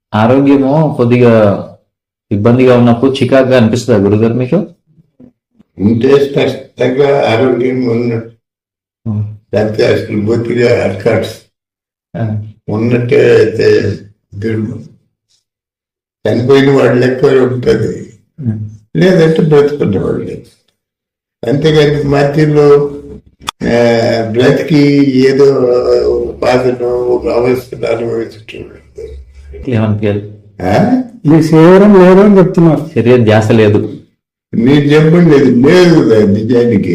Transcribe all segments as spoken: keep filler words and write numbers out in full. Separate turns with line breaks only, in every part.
ఆరోగ్యము కొద్దిగా ఇబ్బందిగా ఉన్నప్పుడు చికాకుగా అనిపిస్తుందా గురుగారు మీకు?
ఉంటే స్పష్టంగా ఆరోగ్యం ఉన్నట్టు,
ఉమ్.
లేకపోతే అసలు బొత్తిగా అర్కాట్స్
ఆ.
ఉన్నట్టే అయితే దుర్మం. చనిపోయిన వాళ్ళ లెక్క ఉంటుంది,
ఉమ్.
లేదంటే బ్రతుకున్న వాళ్ళు లెక్క. అంతేగాని మధ్యలో బ్రతికి ఏదో ఒక బాధను ఒక అవస్థను అనుభవించటం
ఏమనిపించాలి?
మీ శరీరం లేదు అని చెప్తున్నారు.
శరీర ధ్యాస లేదు.
మీరు చెప్పండి, అది లేదు కదా నిజానికి.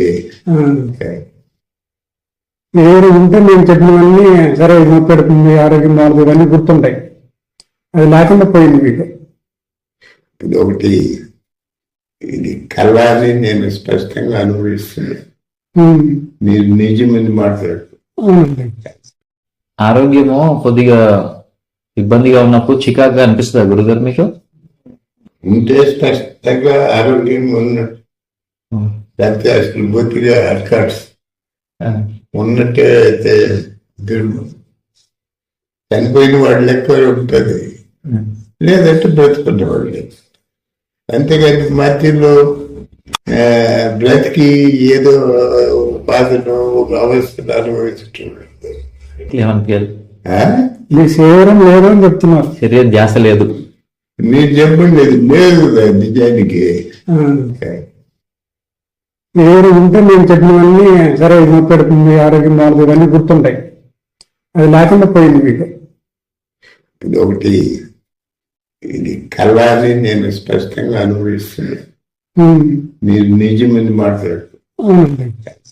శరీరం ఉంటే నేను చెప్పినవన్నీ సరే పెడుతుంది, ఆరోగ్యం బాగుంది, ఇవన్నీ గుర్తుంటాయి. అది లేకుండా పోయింది మీకు.
ఇది ఒకటి, ఇది కళని నేను స్పష్టంగా అనుభవిస్తున్నాను. మీరు నిజమని మాట్లాడు.
అవునండి.
ఆరోగ్యము కొద్దిగా ఇబ్బందిగా ఉన్నప్పుడు చికాకుగా అనిపిస్తుందా గురుగారు మీకు?
ఉంటే స్పష్టంగా ఆరోగ్యం ఉన్నట్టు,
ఉమ్.
లేకపోతే అసలు బొత్తిగా అర్కాట్స్
ఆ.
ఉన్నట్టే అయితే దుర్మం. చనిపోయిన వాళ్ళ లెక్క ఉంటుంది,
ఉమ్.
లేదంటే బ్రతుకున్న వాళ్ళు లెక్క. అంతేగాని మధ్యలో బ్రతికి ఏదో ఒక బాధను ఒక అవస్థను అనుభవించటం
ఏమనిపించాలి?
మీ శరీరం లేదు అని చెప్తున్నారు.
శరీర ధ్యాస లేదు.
మీరు చెప్పండి, అది లేదు కదా నిజానికి.
శరీరం ఉంటే నేను చెప్పినవన్నీ సరే పెడుతుంది, ఆరోగ్యం బాగుంది, ఇవన్నీ గుర్తుంటాయి. అది లేకుండా పోయింది మీకు.
ఇది ఒకటి, ఇది కళని నేను స్పష్టంగా అనుభవిస్తున్నాను. మీరు నిజమని మాట్లాడు.
అవునండి.